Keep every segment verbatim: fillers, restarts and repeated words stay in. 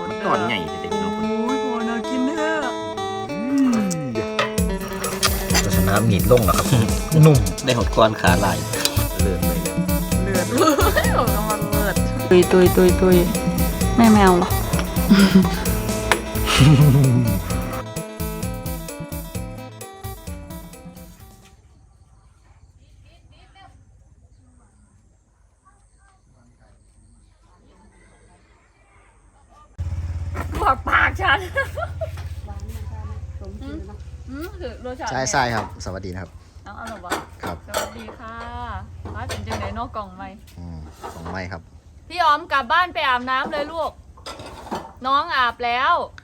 ตอนใหญ่แต่พี่น้องคนโอ้ยพอน่ากินเถอะจะชนะมีดลงแล้วครับ นุ่มได้หดก้อนขาลายเลือดไปเลยเลือดเลยออกมาเลือดตุยตุยตุยตุยแม่แมวเหรอบอกปากฉันอืมคือรสชาติใช่ใช่ครับ สวัสดีนะครับเอาเอาหรอวะครับสวัสดีค่ะร้านเป็นจังไหนนอกกล่องไหมอืมของไม่ครับพี่ออมกลับบ้านไปอาบน้ำเลยลูก น้องอาบแล้ว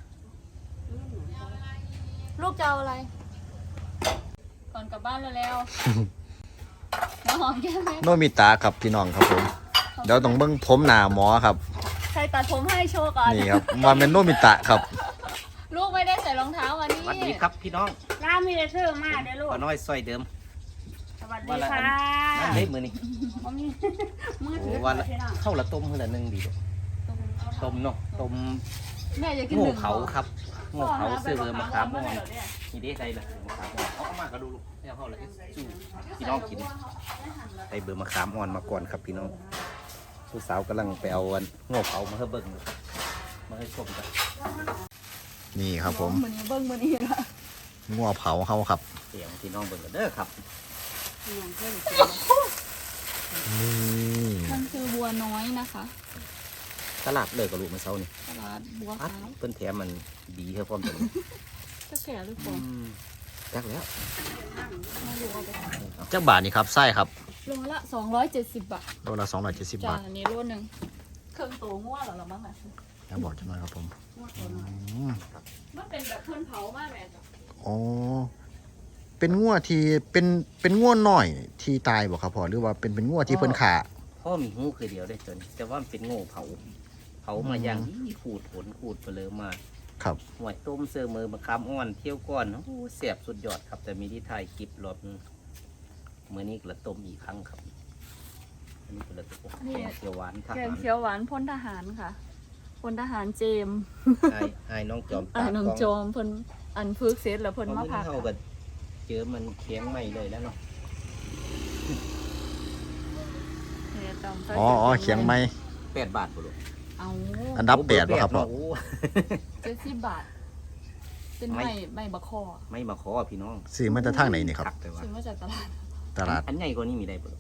ลูกจะเอาอะไร ก่อนกลับบ้านแล้วๆน้องหอมแก้มไหมโนมิตะครับพี่น้องครับผม เดี๋ยวต้องเบิ้งผมหน้าหมอครับใครตัดผมให้โชว์ก่อนนี่ครับมาเป็นโนมิตะครับลูกไม่ได้ใส่รองเท้ามานี่สวัสดีครับพี่น้องร้านมีแต่ซื้อมาเด้อลูกป้าน้อยซอยเดิมสวัสดีวันละค่ะอันนั่นเล็บมือนี่บ่มีมือโอ้ถือวันละพี่น้องเข้าละต้มเท่าละหนึ่งดีเลยต้มเนาะต้มแม่อยากกินโง่หนึ่งเผาครับโง่เผาซื้อเบอร์มะขามม่วงนี่นี่ได้ใจละมะขามอ่อนเอาเข้ามากระดูลูกเนี่ยเข้าละสู้พี่น้องกินได้เบอร์มะขามอ่อนมาก่อนครับพี่น้องผู้สาวกำลังไปเอาวันโง่เผามาให้เบิ่งมาให้ชมกันนี่ครับผมมือนี้เบิ้งมือนี้ละงัวเผาเขาครับเสียงพี่น้องเบิ่งกันเด้อครับน้องเพิ่นนี่มันคือบัวน้อยนะคะตลาดเลยกับลูกมาเช้านี่ตลาดบัวอัดขาวเพิ่นแถมมันดีเท่าพร้อมกันจะแก่หรือเปล่าจักแล้วไม่รู้เอาไปขายเจ้าบาทนี่ครับไส้ครับโลละสองร้อยเจ็ดสิบบาทโลละสองร้อยเจ็ดสิบจาบาทอันนี้โลหนึ่งเครื่องตัวง่วเหรอหรือมั้งอ่ะแล้วบอกจะหน่อยครับผมอืมมันเป็นแบบเพื่อนเผามากแม่จ้ะอ๋อเป็นงัวที่เป็นเป็นงัวหน่อยที่ตายบอกครับพ่อหรือว่าเป็นเป็นงัวที่เพิ่นขาพ่อมีหูคือเดียวได้จนแต่ว่ามันเป็นโง่เผา เผามาอย่างนี้ขูดผลขูดไปเลยมาครับหวยต้มเสือมือมะขามอ่อนเที่ยวก้อนโอ้เสียบสุดยอดครับแต่มีที่ไทยกิบรอบเมื่อนี้กระต้มอีกครั้งครับอันนี้กระต้มแกงเขียวหวานทแกหาง รเขียวหวานพ้นทหารค่ะพลทหารเจมส์ไอ้ไอ้น้องจอมอ่าตาน้องกล้องจอมเพิ่นอันพึกเสร็จแล้วเพิ่นมาพักเท่ากับเจอมันเคียงใหม่เลยแล้วเนาะเนี่ยจอมอ๋ออ๋อเขียงไม้แปดบาทบุรุษเอาอันดับแปดบ่ครับพ่อเจ็ดสิบบาท เป็นไม้ไม้บะคอไม่มาขอพี่น้องซื้อมาจากทางไหนนี่ครับแต่ว่าซื้อมาจากตลาดตลาดอันใหญ่กว่านี้มีได้บุรุษ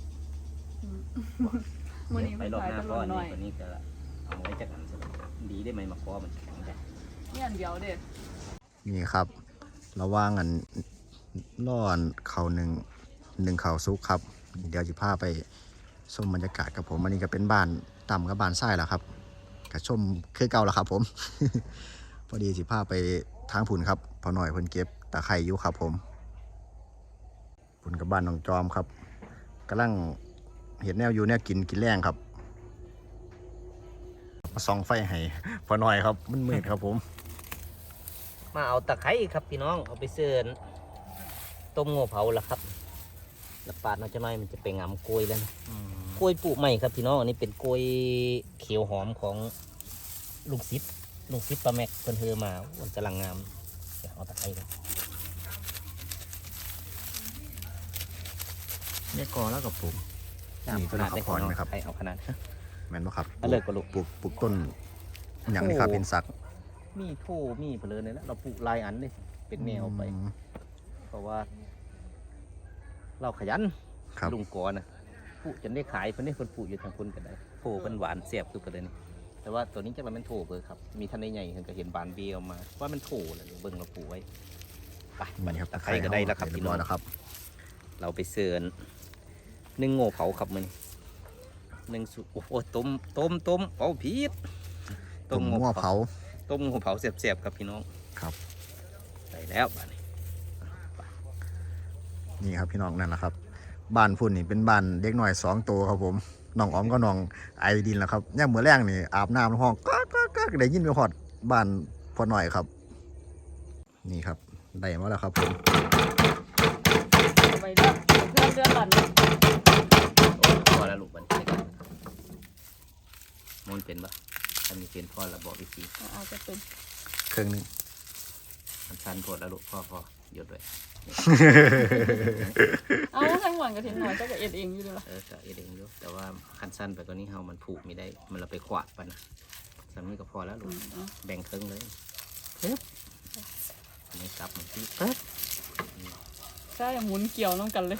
มื้อนี้ไปมันรอบขายหน้าตก้ลาอดนหน่นี้อยกว่านี้จะเอาไว้จากอันสลับดีได้ไหมมาขอมันแข็งได้นี่อันเดียวเด็ดนี่ครับ ระหว่างอันร่อนเขาหนึ่งหนึ่งเขาซุกครับ เดี๋ยวจะพาไปชมบรรยากาศกับผมอันนี้ก็เป็นบ้านต่ำกับบ้านไส้แล้วครับก็ชมคือเก่าแล้วครับผม พอดีสิพาไปทางผุนครับพอหน่อยเพิ่นเก็บตะไคร่อยู่ครับผมผุนกับบ้านน้องจอมครับกำลังเห็นแนวอยู่แนวกินกินแรงครับมาส่องไฟให้พอหน่อยครับมันมืดครับผมมาเอาตะไคร้ครับพี่น้องเอาไปเสิร์นต้มโง่เผาละครับแล้วปาดน้อยจะน้อยมันจะเป็นงำกล้วยแล้วนะกล้วยปลูกใหม่ครับพี่น้องอันนี้เป็นกล้วยเขียวหอมของลุงซิปลุงซิปปลาแม็กเพิ่นเธอมาวันกำลังงามเดี๋ยวเอาตะไคร้กันเนี่ยกอแล้วกับปลูก นี่เป็นขนาดได้ข้าวพรไหมครับใครเอาขนาดแม่นบ่ครับเอาเลยก็ลูกปลูกปลูกต้นอย่างนี้ครับเป็นสักมีโถมีเพลินเลยนะเราปลูกหลายอันเลยเป็นแนวไปอืมเพราะว่า เราขยันครับลุงกอนะปลูกจนได้ขายเพิ่นได้คนปลูกอยู่ทางคนกันได้โถเพิ่นหวานเสียบคือกันเลยนี่แต่ว่าตัวนี้จะมันเป็นโถเบอร์ครับมีท่านใหญ่ๆเพิ่นก็เห็นบานเบียวมาว่ามันโถเลยเบิ่งเราปลูกไว้ไปนี่ครับตะไคร้ก็ได้แล้วครับเรียพี่บน้ร้ออง ยแล้วครับเราไปเสิร์นนึ่งโง่เผาครับมันนึ่งสุโอ้โหต้มต้มต้มเผาพีดต้มงัวเผาต้มโง่เผาเสียบๆครับพี่น้องครับได้แล้วบ้านนี้นี่ครับพี่น้องนั่นแหละครับ บ้านพุ่นนี่เป็นบ้านเด็กหน่อยสองตัวครับผมน้องออมก็น้องไอดินแล้วครับย่างมือแรงนี่อาบน้ำห้องก็ก็ก็ได้ยินไปหอดบ้านพอหน่อยครับ นี่ครับได้มาแล้วครับผมไปเด้อเพื่อนเดือนหลันโอ้พอแล้วลูกมันใช่กันมันเป็นปะใครำมีเป็นพ่อระบอกวิธีเอาจะเป็นเครื่องหนึงมันสั้นโพดแล้วลูกพ่อพ่อหยุดด้วยเอาทั้งหมดกระเทียมหน่อยเจ้าก็เอ็ดเองอยู่ดีละเออก็เองอยู่แต่ว่าคันสั้นไปกว่านี้เฮามันผูกไม่ได้มันเราไปขวาดปันนะสำนี้ก็พอแล้วลูกแบ่งครึ่งเลยปึ๊บอันนี้กลับมาที่ปึ๊บใช่หมุนเกี่ยวน้องกันเลย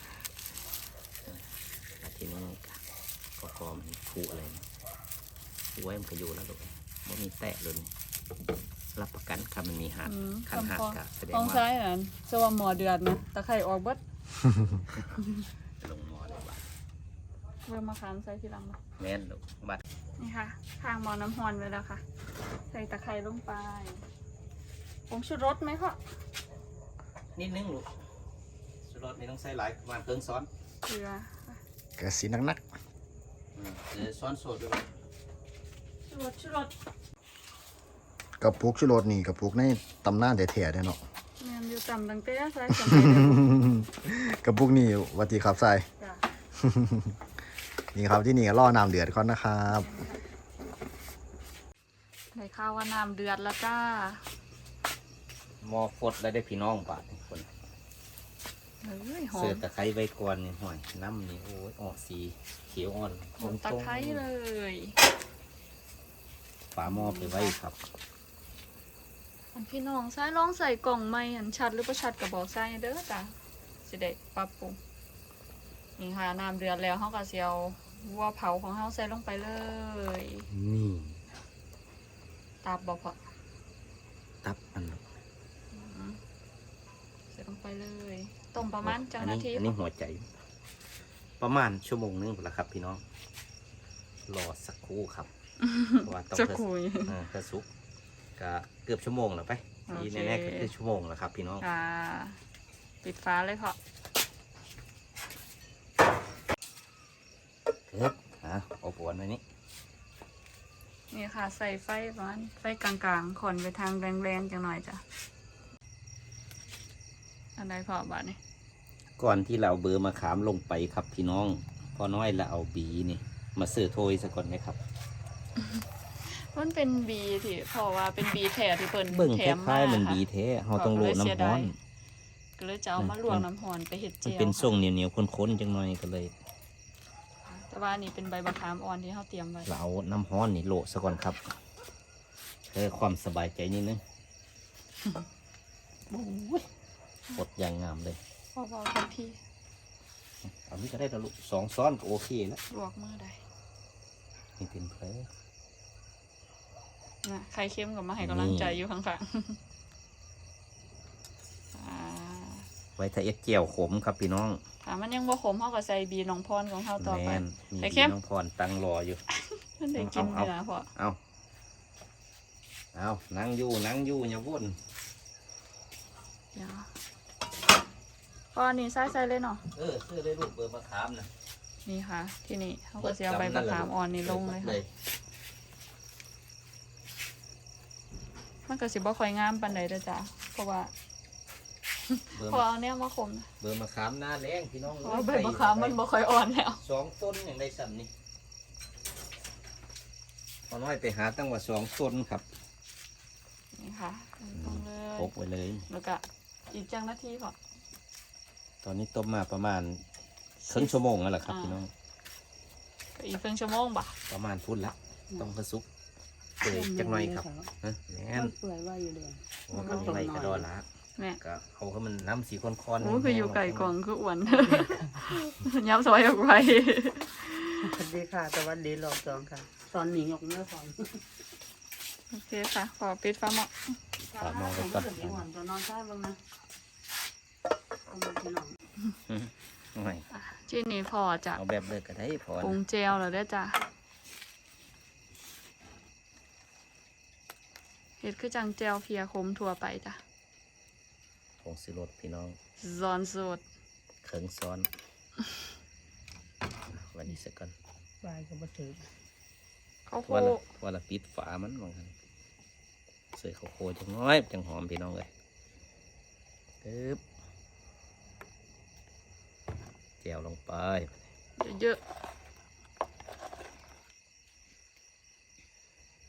แล้วทีนี้ก็พอมันผูกอะไรนะผูกไว้มันก็อยู่แล้วลูกไม่มีแตะเลยรับประกันครับมันมีหักอืมคันหักคำพอกะแสดงต้องว่าใช้นั่นจะว่าหมอเดือดนะตะไคร่ออกเบิดลงหมอเลยบัดเริ่มมาคานใส่ทีหลังเนาะแม่นลูกบัดนี่ค่ะทางหมอน้ำฮอนไว้แล้วค่ะ ใส่ตะไคร้ลงไปผงชูรสไหมพ่อนิดนึงลูกสุดรสไม่ต้องใส่หลายประมาณเครื่องซ้อนเกลือกระสีนักอืมเดี๋ยวซ้อนโซดด้วยชูรสชูรสๆกระปุกชูรสนี่กระปุกในตำนานแท้ๆเด้เนาะแมนอยู่ต่ำดังเต้ใส่สมัยเดิมกระปุกนี่วัติครับใส่จ้ะนี่ครับที่นี่ก็ล่อน้ำเดือดก่อนนะครับในข้าวว่าน้ำเดือดแล้วจ้าหมอฟดแล้วได้พี่น้องบาดนี่คนเฮ้ยหอเสือมตะไคร้ใบกวนนี่ห่วยน้ำนี่โอ้ยออกสีเขียวอ่อนหอมตะไคร้เลยฝาหม้อไปไว้ครับอันพี่น้องใส่ลองใส่กล่องไหมอันชัดหรือประชัดกับบอกใส่เด้อจ้ะสิได้ปรับปรุงนี่ค่ะน้ำเดือดแล้วเขาก็เสียววัวเผาของเขาใส่ลงไปเลยนี่ตับบอกพอตับมันใส่ลงไปเลยต้มประมาณจังนาทีอันนี้หัวใจ ประมาณชั่วโมงนึงพอละครับพี่น้องรอสักครู่ครับเพราะว่าต้องจะเพื่อคุยเออเพื่อสุกก็เกือบชั่วโมงแล้วไปโอเคที่แน่ๆก็คือชั่วโมงแล้วครับพี่น้องอ่าปิดฟ้าเลยพอเอ๊บอ่ะเอาปวนไว้นี่นี่ค่ะใส่ไฟประมาณไฟกลางๆขอนไปทางแรงๆจังหน่อยจ้ะอันใดพอบาทนี่ก่อนที่เราเอาเบอร์มาขามลงไปครับพี่น้องพอน้อยเราเอาบีนี่มาเสือโทยซะก่อนไหมครับมันเป็นบีที่เพราะว่าเป็นบีแท้ที่เพิ่นเบิ่งแถคมล้ายๆมันค่ะบีแท้เฮาต้องโรยน้ำร้อนก็เลยจะเอามาลวกน้ำหอนไปเห็ดมัเจีนยวเป็นทรงเหนียวๆข้นๆจังหน่อยก็เลยแต่ว่านี่เป็นใบมะขามอ่อนที่เขาเตรียมไว้เราเอาน้ำร้อนนี่โรยซะก่อนครับเพื่อความสบายใจนิดนึงโอ้ยปดอย่างงามเลยพอเบาทันทีเอานี้ก็ได้แล้วลูกสองซ้อนก็โอเคแล้วลวกมือได้นี่เป็นเพลนะใครเข้มกับมาให้กำลังใจอยู่ข้างๆ อ่าไว้ถ้าเอ็ดเจียวขมครับพี่น้องถ้ามันยังบ่ขมเขาก็ใส่บีน้องพรของเขาต่อไปแม่นมีไข่เค็มน้องพรตั้งรออยู่มันได้กินเอาเนื้อพอเอาเอานั่งอยู่นั่งอยู่อย่าวุ่นเดี๋ยวพอนี่ใส่ใส่เลยเนาะเออซื้อได้ลูกเบอร์มะขามนะนี่ค่ะ ที่นี่เขาก็จะเอาใบมะขามอ่อนนี่ลงเลยค่ะมันก็สิบ่ค่อยงามปานใดเด้อจ้ะเพราะว่าเบอร์พอมะเอาเนี่ยมาขมนะเบอร์มะขามหน้าแรงพี่น้องเพราะว่าใบมะขามมันบ่ค่อยอ่อนแล้วสองต้นอย่างไรสั่นนี่พอน้อยไปหาตั้งว่าสองต้นครับนี่ค่ะลงเลยพกไว้เลยแล้วก็อีกจังนาทีพอตอนนี้ต้มมาประมาณครึ่งชั่วโมงแล้วล่ะครับอ่าพี่น้องก็อีกครึ่งชั่วโมงบ่ะประมาณพุ่นละต้องกระซุกเปื่อยจักหน่อยครับฮะแม่นเปื่อยว่าอยู่เดือนโอ้ก็ไล่กระดอละแม่ก็เอาให้มันน้ำสีค้อนๆโอ้คืออยู่ไก่กล่องคืออ้วน ย้ำซอยออกไปสวัสดีค่ะสวัสดีรอบสองค่ะตอนหนีออกเมื่อก่อนโอเคค่ะขอปิดฟ้าหม้อฝากมองไว้ก่อนเดี๋ยวก่อนตัวนอนใต้บ้างนะเอามาที่นอนไม่อ่ะที่นี่พอจะเอาแบบเลิกก็ได้พอปรุงนะเจลแล้วได้อจ้ะเห็ดคือจังเจลเพียคมทั่วไปจ้ะผงสิรสพี่น้องซอนสดเขิงซ้อน วันนี้สักก่อนปลายก็มาถือข้าวโพวันดละวันละปิดฝามันมองกันใส่ข้าวโพดจังน้อยจังหอมพี่น้องเลยปึ๊บแจวลงไปเยอะ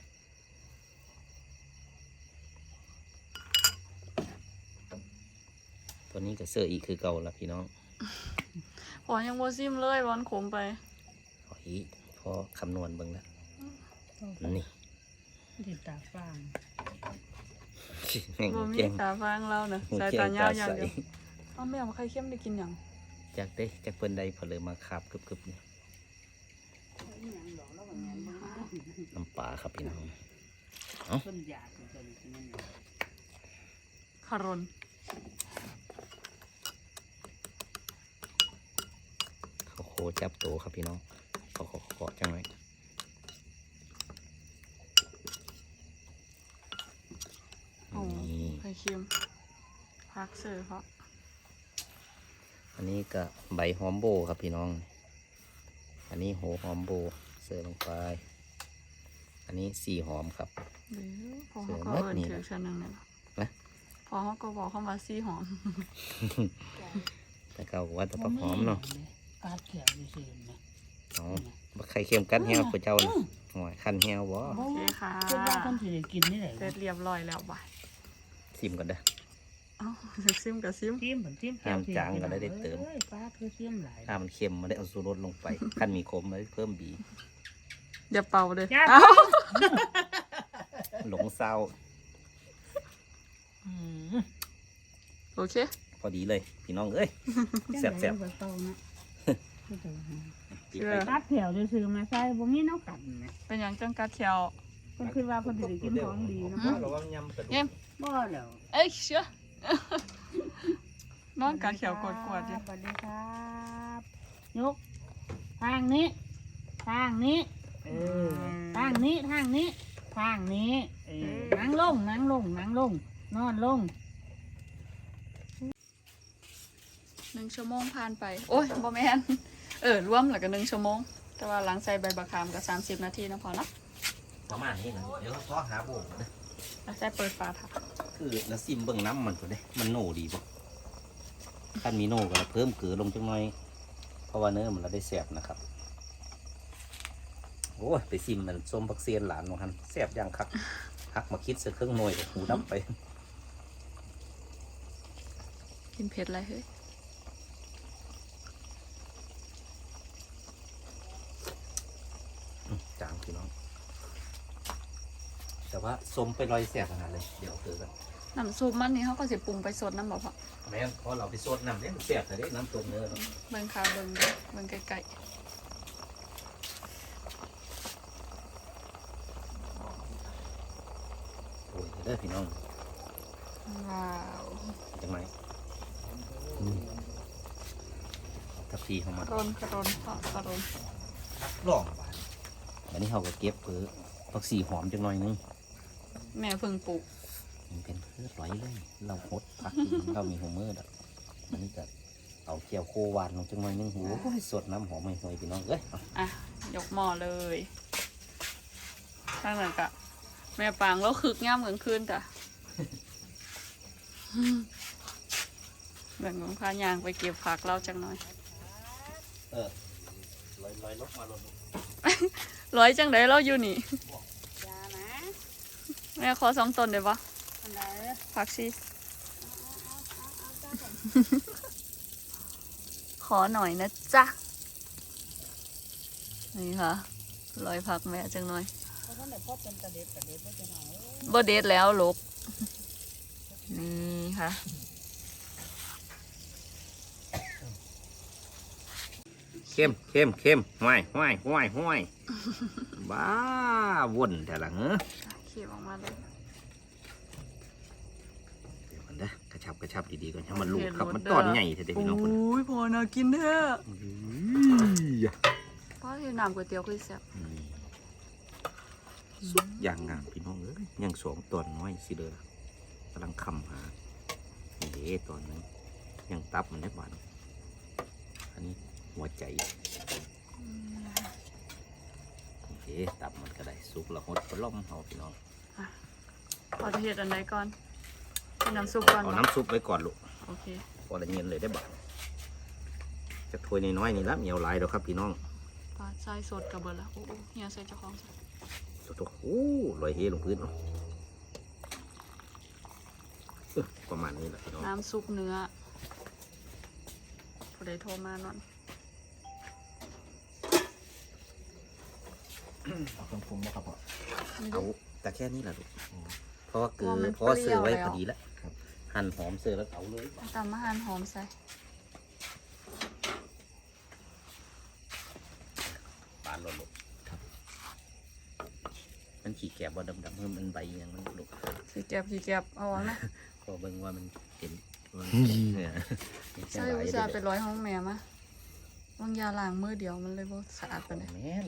ตัวนี้ก็เสื้ออีกคือเก่าละพี่น้องพอยังบ่ซิมเลยวันขมไปพออีพอคำนวณเบิ่งแล้วนี่ติดตาฟางแม่งบ่มีแกงตาฟางเราเนอะหูสายแกตาง ยาตาวอย่างใสเดียวเอาแม่มาใครเข้มได้กินหยังจากได้จากเปิ้นใดเพนเลยมาคาบกึบๆนี่น้ำปลาครับพี่น้องเพิ่นอยากเป็นคนที่นั่นคารนเขาโคจับโตครับพี่น้องเขาขอขอจังไรโอ้นี่ไข่เค็มพักเสือเพราะอันนี้ก็ใบหอมโบครับพี่น้อง อันนี้โหหอมโบเสิร์ฟลงไป อันนี้สีหอมครับเดี๋ยวพอเสืเขาอก็มัดเอินนี่ถือนะชั้นหนึ่งเนี่ยนะพอเขาก็บอกเข้ามาซี่หอมแต่เก่าว่าแตะปักหอมเนาะกาดเขียวอยู่ซื่อๆนะอ๋อบักไข่เค็มกัดแห้วพระเจ้าน่ะโอ้ยคันแห้วบ่โอเคค่ะเพิ่นว่าเพิ่นสิได้กินนี่แหละเสร็จเรียบร้อยแล้วบ่ายซิมกันเด้อเอ้าสิซิมกับซิมทิมเพิ่นทิมห้ามจางก็ได้เติมอ้ยป้าคือทิมหลายถ้ามันเค็มมาได้เอาสูรสลงไป คันมีขมมาได้เพิ่มบีเดี๋ยวเป่าเลยจ้าเอ้าหลงเศร้าโอเคพอดีเลย พี่น้องเอ้ย แซ่บๆจังได๋บ่เศร้านะจิบไปกาดเขียวจะซื้อมาใส่บ่มีแนวกันนะเป็นอย่างจังกัดเทียวเพิ่นคิดว่าเพิ่นสิได้กินของดีนะอืมระวังยำกระดูเยี่ยมกบ่แล้วเอ้ยเชื่อ น้องกัดเขียวกดกวดๆอยู่สวัสดีครับยกทางนี้ ทางนี้ เออ ทางนี้ ทางนี้ ทางนี้ เออ นั่งลง นั่งลง นั่งลง นอนลงหนึ่งชั่วโมงผ่านไป โอ้ยบอแมนเออรวมแล้วก็หนึ่งชั่วโมง แต่ว่าหลังใส่ใบบักขามก็สามสิบนาทีนะพอเนาะประมาณนี้นะเดี๋ยวเราทอหาโบกนะแล้วใส่เปิดฝาถักคือแล้วซิมเบิ่งน้ำมันก็ได้ มันโน่ดีบ่ถ้ามีโน่ก็เพิ่มเกลือลงจังหน่อย เพราะว่าเนื้อมันเราได้แซ่บนะครับ โอ้ยไปซิมมันส้มบักเซียนหลานของฮันแซ่บอย่างคักหักมาคิดเสือเครื่องหน่วยกับหูดับไปกินเผ็ดอะไรเฮ้ยอืมจางพี่น้อง แต่ว่าส้มไปลอยแซ่บขนาดเลย เดี๋ยวเอาเกลือกันน้ำซุปมันนี่เขาก็สิปรุงไปสดน้ำบ่พอแม่นพอเราไปสดน้ำเนี่ยมันแซ่บแต่ได้น้ำต้มเนื้อเนาะเบิ่งข่าวเบิ่งเด้อเบิ่งไกลโอ้ยเด้อพี่น้องๆว้าวจังไหมทับทีเข้ามากระรนกระรนเพาะกระรนลองบาดอันนี้เขาก็เก็บเผือผักสีหอมจังหน่อยนึงแม่เพิ่งปลูกมันเป็นพืชร้อยเลย เราหดพักกิน เรามีหัวมือดอกอันนี้ก็เอาเกี่ยวโควานลงจังหน่อยนึงหูสดน้ำหอมไม่ห่วยพี่น้องเอ้ยเอาอ่ะยกหม้อเลยตั้งแต่กะแม่ปางแล้วคึกย่ำกลางคืนจ้ะ แบ่งของพายางไปเก็บผักเราจังหน่อยเออลอยลอยลกมาลงร้อยจังไดเราอยู่นี่จ้านะแม่ขอสองต้นได้ปะอันใดผักชีขอหน่อยนะจ๊ะ นี่ค่ะร้อยผักแม่จังหน่อยเพราะท่านได้พบเป็นตะเด็ดตะเด็ดบ่จะหน่อยเอ้ยบ่เด็ดแล้วลกนี่ค่ะเข้มเข้มเข้มห้วยห้วยห้วยห้วยบ้าวนแต่ละเหรอเขียบออกมาเลยเดี๋ยวมันเด้อกระชับกระชับดีๆก่อนให้มันลูกเห็นครับรสมันเด้อตอนใหญ่เถอะเด็กพี่น้องคนโอ้ยพอน่ากินแท้อืมเพราะที่น้ำก๋วยเตี๋ยวคือแซ่บสุดอย่างงามพี่น้องเอ้ยยังสองตอนน้อยสิเด้อกำลังคำหานี่เด้ตอนนึงยังตับมันได้หวานอันนี้หัวใจโอเคตับมันก็ได้สุกและหดปล่อมเฮาพี่น้องพอจะเห็ดอันไหนก่อนเป็นน้ำซุปก่อนเอาบ่น้ำซุปไว้ก่อนลูกโอเคพอละเงียนเลยได้บ่จะถ้วยน้อยๆนี่ละเหนียวหลายเด้อครับพี่น้องปลาใส่สดกับเบิร์ละโอ้โหเฮียใส่เจ้าของใส่ตัวโอ้ลอยเฮลงพื้นเนาะเอ้อประมาณนี้แหละพี่น้องน้ำซุปเนื้อผู้ใดโทรมานอนเอาเครื่องปรุงมาครับพ่อเอาแต่แค่นี้แหละลูกเพราะว่าเกลือมันเพราะว่าเปรี้ซื้ยอวไว้แล้วพอดีแล้วหั่นหอมเสือแล้วเอาเลยตำมะฮานหอมใส่ปานหล่นลูกครับมันขี้แกบว่าดำๆเพิ่มมันใบอย่างมันลูกขี้เก็บขี้เก็บเอาไว้ไหมพอเบิ่งว่ามันเห็นว่าใช่อุตส่าห์ไปร้อยห้องแม่มะวางยาล้างมือเดียวมันเลยบ่สะอาดปานใดแม่น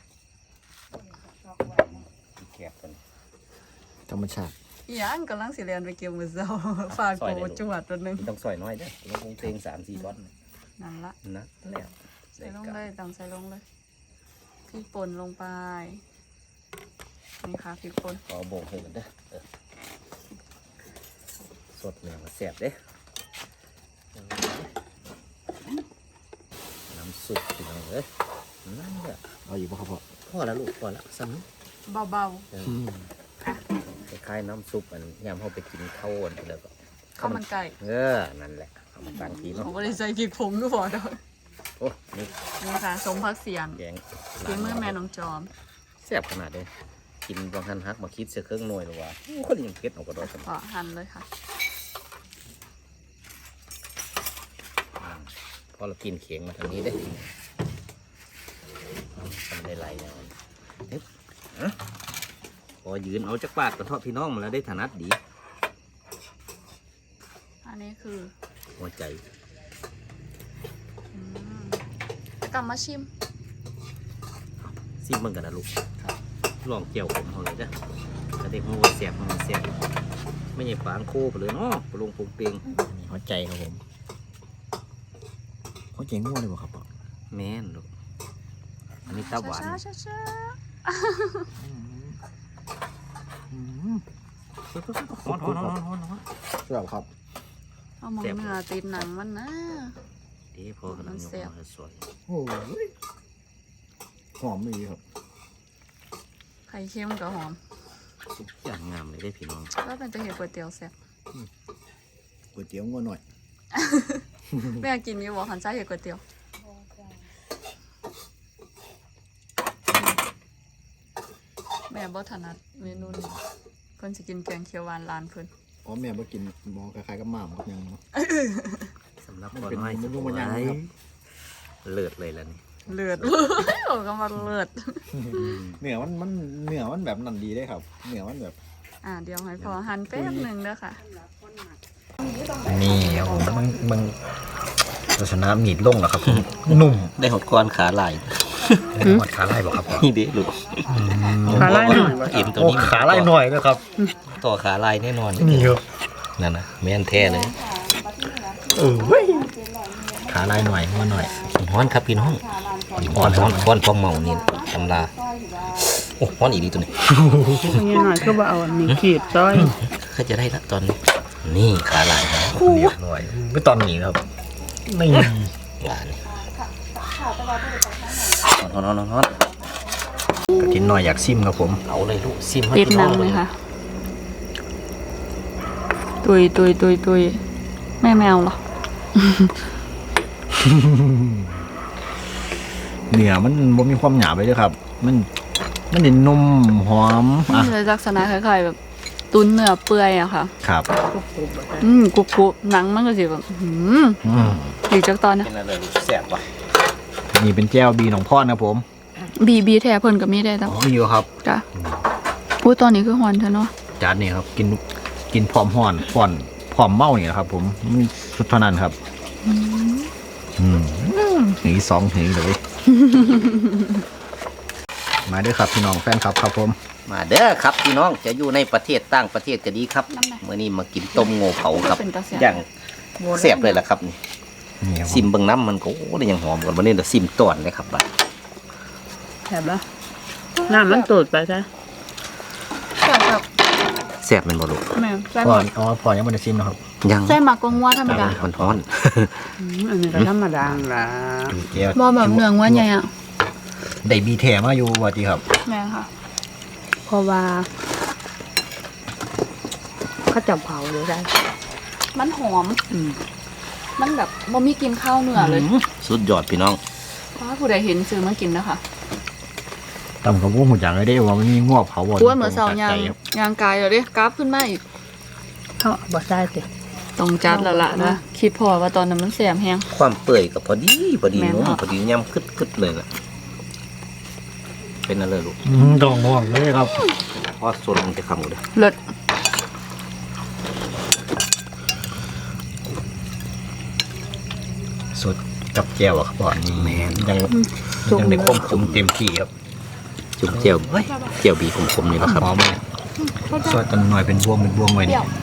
ขี้แกบกันธรรมชาติอีหยังกำลังสิเรียนไปเกี่ยวมือเช้า ฝากโกจวดตัวหนึงต้องซอยน้อยเด้อลงคงเพลงสามสี่ท่อนนั่นละนะแล้วใส่ลงเลยตำใส่ลงเลยพริกป่นลงไปนี่ค่ะพริกป่นขอโบกให้กันเด้อเออสดเนี่ยมาแซ่บเด้น้ำซุปพี่น้องเอ้ยนั่นแหละเอาอยู่ป่ะครับพ่อพอแล้วลูกพอแล้วซ้ำนี้เบาเออคล้ายๆน้ำซุปอันยามเขาไปกินข้าวอันแล้วก็ๆข้าวมันไก่เออนั่นแหละเอามาตั้งทีผเนาะมก็ได้ใส่พริกผงก็พอเด้อโอ้นี่นี่ค่ะสมพักเสียงแกงฝีมือแม่น้องจอมแซ่บขนาดเลยกินบางทันฮักมาคิดเสียเครื่องหน่วยหรือว่าโอ้คนยังเผ็ดเอากระโดดกันก็หั่นเลยค่ะพอเรากินเขียงมาทางนี้ได้ทำได้ไรอย่างนั้นเอ๊ะอะพอยืนเอาจักบาทกระเทาะพี่น้องมาแล้วได้ถนัดดีอันนี้คือหัวใจอืมกลับมาชิมซิมเบิ่งกันนะลูกลองเกี่ยวผมเขาเลยจ้ะจะได้หัวาแสบมันแสบไม่ใช่ปางโคไปเลยเนาะปลงปงเปงนี่หัวใจครับผมหัวใจง่วงเลยป่ะครับพ่อแม่นลูกอันนี้ตาหวานช้าๆช้าฮอนฮอนฮอนฮอนฮอนเชื่อครับๆเอาหมองเนื้อติดหนังมันนะเดี๋ยวพอกำลังยกมาสวยโอ้ยหอมดีครับไข่เค็มกับหอมสุกอย่างงามเลยได้พี่น้องก็เป็นตะเห็ดก๋วยเตี๋ยวแซ่บก๋วยเตี๋ยวง่วงหน่อยแม่กินอยู่บอกขันใจเห็ดก๋วยเตี๋ยวแม่บ่ถนัดเมนูนี้เพิ่นสิกินแกงเขียวหวานร้านเพิ่นอ๋อแม่มากินหมอคล้ายๆกับหม่ามครับยังเนาะสำหรับมันคนเป็นน้อยเมนูมันยังไงครับเลิศเลยล่ะนี่เลือด โอ้ก็มาเลือดเนื้อมันมันเนื้อมันแบบนั่นดีได้ครับเนื้อมันแบบอ่าเดี๋ยวให้พอหั่นแป๊บหนึ่งเด้อค่ะนี่ครับผมมันมันลักษณะหนีบลงเหรอครับ นุ่มได้หดก้อนขาลายหมดขาไล่บอกครับนี่เด็ลูกขาไล่หน่อยเอ็มตัวโอ้นี้ขาไล่หน่อยด้วยครับต่อขาลายแน่นอนนี่ครับนั่นนะแม่นแท้เลยเออเว้ยขาไล่หน่อยง่วงหน่อยฮ้อนครับพี่น้องฮ้อนฮ้อนฮ้อนฟองเมานี่ตำลาโอ้ฮ้อนอีดีตัวนี้นี่หน่อยก็บ่เอาอันนี้ขีดซอยก็จะได้ละตอนนี้นี่ขาลายนะเรียบร้อยไม่ตอนนี้ครับนี่หวานฮ้อนฮ้อนฮ้อนฮ้อนกินหน่อยอยากซิมครับผมเอาเลยลูกซิมให้ติดพี่หน้นัองงเลเลย ยค่ะ ตุยตุยตุยตุยแม่แมวเหรอเนื้อมันบ่มีความหยาบเลยเด้อครับ มันมันเด่นนุ่มหอมมัอ่ะนเลยลักษณะคล้ายๆแบบตุ้นเนื้อเปื่อยอะค่ะครับอืมกรุบกรุบหนังมันก็สิแบบหืมอืมอีกจักตอนนะเป็นอะไรลูกแซ่บปะนี่เป็นแก้วบีของพ่อนะผมบีบีแท้เพิ่นก็มีได้แล้วอ๋ออยู่ครับจ้ะพูดตอนนี้คือฮอนเถอะเนาะจานนี้ครับ กินกินพร้อมห่อนพร้อมพร้อมเมาเนี่ยครับ ผมมีสุดเท่านั้นครับ อืมหนีสองหนีเลย มาด้วยครับพี่น้องแฟนครับครับผมมาเด้อครับพี่น้องจะอยู่ในประเทศต่างประเทศก็ดีครับน้ำไหนเมื่อนี้มากินต้มโง่เผาครับเป็นตาแซ่บอย่างแซ่บเลยล่ะครับนี่นี่ครับผซิมเบิ่งน้ำมันก็โอ้ได้ยังหอมกว่าวันนี้เดี๋ยวซิมต้อนเลยครับบัดแซ่บละน้ำมันตูดไปซะแซ่บแบบแซ่บแมันบ่ลูกแม่แซ่บพ่อหมดอ๋อพ่อยังไม่ได้ซิมนะครับยังแซ่บมากกว่างัวธรรมดามันฮ้อนอืมอันนี้ก็ธรรมดาละดูแก้วบ่แบบเนื้องัวใหญ่อะได้บีแถมาอยู่ว่าจีครับแม่ค่ะเพราะว่าเขาจับเผาเลยได้มันหอมอืมมันแบบบ่มีกินข้าวเนื้อเลยสุดยอดพี่น้องเพราะว่าผู้ใดเห็นซื้อมากินนะคะตำกับพวกหุ่นอย่างเลยได้ว่ามันมีงวกเผาบ่อ้วนเหมือนเสายางยางกายเลยเด้กราฟขึ้นมาอีกเขาบ่ใส่ติต้องจัดแล้วล่ะนะคิดพอว่าตอนนั้นมันแสบแฮงความเปื่อยกับพอดีพอดีแม่นนุ่มค่ะพอดีย่ำคึดคึดเลยล่ะเป็นอะไรลูกดองง่วงเลยครับเพราะส่วนมันจะคำหมดเลยเลิศสดกับแจ่วอะครับพ่อนี่แม่นยังยังได้ความขมเต็มที่ครับจุ่มเจียวเจียวบีขมๆนี่แหละครับหอมเลยซอยตันหน่อยเป็นบวงเป็นบวงไว้เปรี้นี่ยว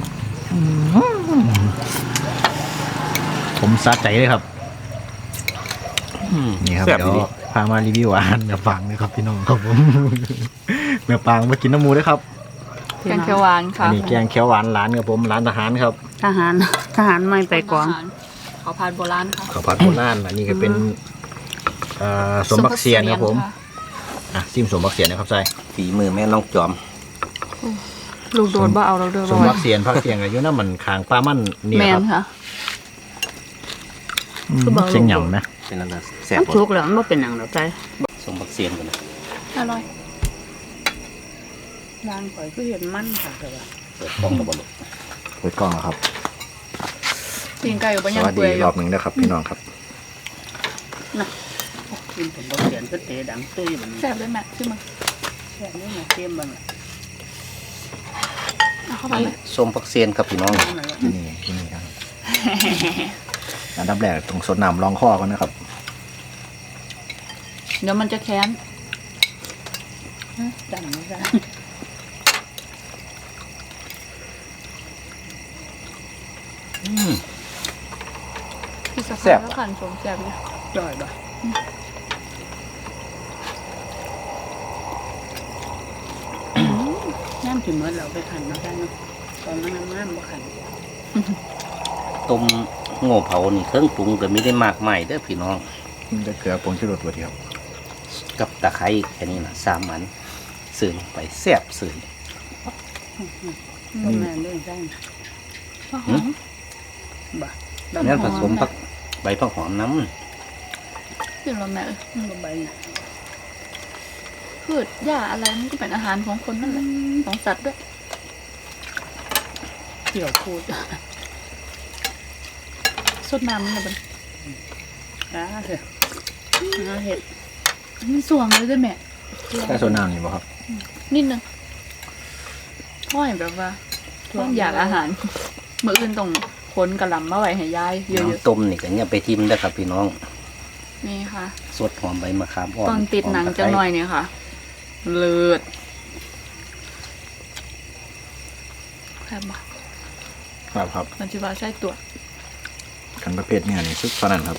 ผมสะใจเลยครับอืมนี่ครับแซ่บเดี๋ยวดีพามารีวิวอาหารแม่ปางนะครับพี่น้องครับผม แม่ปางมากินน้ำหมูด้วยครับแกงเขียวหวานอัค่ะนนี้แกงเขียวหวานร้านครับผมร้านทหารครับทหารทหารไม่ไปกองขอพานโบราณค่ะข้าวผัดโบราณอันนี้ก็เป็นเอ่อสมบักเซียนครับผมอ่ะซิมสมบักเซียนนะครับใส่ฝีมือแม่น้องจอมลูกโดนบ่เอาเราเด้อสบ่มไหวบักเซียนพักเซียนอายุน้ำมันคางปลามันนี่แมคน รับค่ะอืมคือบอกเชียงหยำไหมเป็นอะไรแซ่บมันบ่สุกแล้วมันบ่เป็นหยังดอกใจสมบักเซียนกันนะอร่อยร้านข่อยคือเห็นมันค่ะแต่ว่าเปิดกล้องกับบอลเปิดกล้องแล้วครับตีนไก่อยู่บ่สยังวัสเปื่ดีอยอรอยู่ บหนึ่งนะครับพี่น้องครับกินผมบ่เขียนก็เตะดังตุ้ยบัดนี้แซ่บเลยแม่ชิมมาแค่นี้มาเต็มบังล่ะเอาเข้าไปเลยส้มผักเซียนครับพี่น้องนั่นแหละที่นี่ที่นี่ครับอันดับแรกต้องสดน้ำรองคอก่อนนะครับเดี๋ยวมันจะแค้นดังไม่ได้อืมพี่สะแซ่พายบแล้วขันสมแซ่บเลยจ่อยบ่น้ำสิเหมือนเราไปขันมาได้เนาะตอนนั้นน้ำบ่ขันต้มโง่เผานี่เครื่องปรุงก็ไม่ได้มากมายเด้อพี่น้องมันจะเกลือปรุงชูรสตัวเดียวกับตะไคร้แค่นี้นะสามมันเสื่อลงไปแซ่บเสื่อบ่แม่นเรื่องได้หอมบ่งั้นผสมผักใบผักหอมน้กินแล้วแม่เอ้ยมันบ่ใบน่ะพืชหญ้าอะไรมันก็เป็นอาหารของคนนั่นแหละของสัตว์ด้วยเกี่ยวพูดสดน้ำมันเลยบันอ่าเถอะอ่าเห็ดมันสวงเลยด้วยแม่แค่โซน้ำนี่บ่ครับนิดนึงห้อยแบบว่าต้องอยากอาหารเมื่ออื่นต้องค้นกระหลำมาไว้ให้ยายำเยอะน้ำต้มนี่ก็เนี่ยไปทิมได้อครับพี่น้องๆนี่ค่ะสดหอมใบมะขามอ่อนตอนติดหนังจังหน่อยเนี่ยค่ะ เลิศแค่บบ่ครับครับมันจะว่าใช่ตัวกันประเภทเนี่ยนี่ซุปเท่านั้นครับ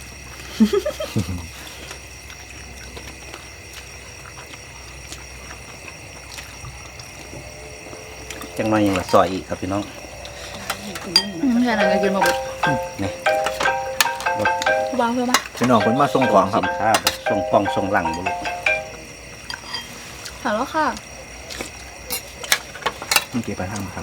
จังหน่อยยังละซอยอีกครับพี่น้องอืมแค่นั้นก็กินมาหมดนี่วางเพื่อมาพี่น้องคนมาส่งของครับสินค้าแบบส่งปองส่งหลังบุรุษถามแล้วค่ะเมื่อกี้ไปทางท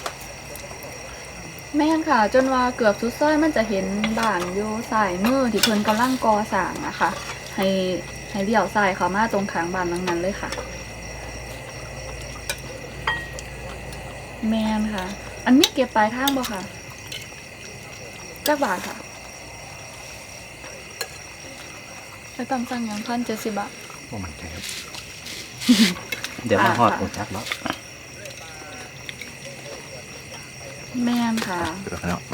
แม่นค่ะ จนว่าเกือบสุดซอยมันจะเห็นบ้านอยู่สายมือที่เพิ่นกำลังก่อสร้างอะค่ะ ให้ให้เลี้ยวซ้ายเข้ามาตรงข้างบ้านหลังนั้นเลยค่ะ แม่นค่ะ อันนี้เก็บปลายทางบ่ค่ะจักบาทค่ะไปตามสั่งอย่างพันเจ็ดสิบบาทำว่ามันใจครับเดี๋ยวมาฮอดอ่าอุจักแล้วแม่นค่ะเดี๋ยวแล้ว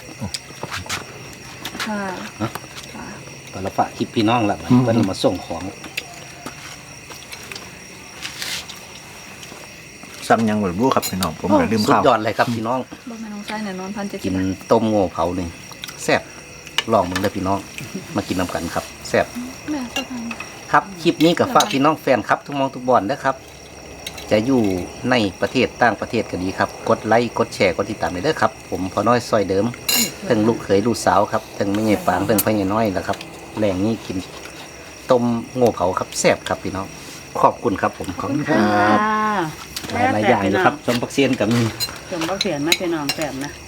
ค่ะค่ะตอนละฝากคลิปพี่น้องละมันเพิ่นมาส่งของซ้ำยังบ่รู้ครับพี่น้องผมก็ลืมสุดข้าวยอดเลยครับพี่น้องบ่แม่นน้องชายแน่นอนพันเจ็ดสิกิบนบาทต้มโง่เผานี่แซ่บลองมึงเด้อพี่น้อง มากินน้ำกันครับแซ่บแม่สะพานครับคลิปนี้กับฝากพี่น้องแฟนครับทุกหมองทุกบอนนะครับ จะอยู่ในประเทศต่างประเทศก็ดีครับ กดไลค์กดแชร์กดติดตามเลยเด้อครับ ผมพอน้อยซอยเดิมเพิ่งลูกเขยลูกสาวครับเพิ่งไม่ใหญ่ปางเพิ่งพ่อใหญ่น้อยแล้วครับแรงนี้กินต้มโง่เผาครับแซ่บครับพี่น้องขอบคุณครับผมขอบคุณครับหลายๆอย่างเลยครับสมปักเซียนกับมีจมบ่เขียนมาพี่น้องแซ่บนะ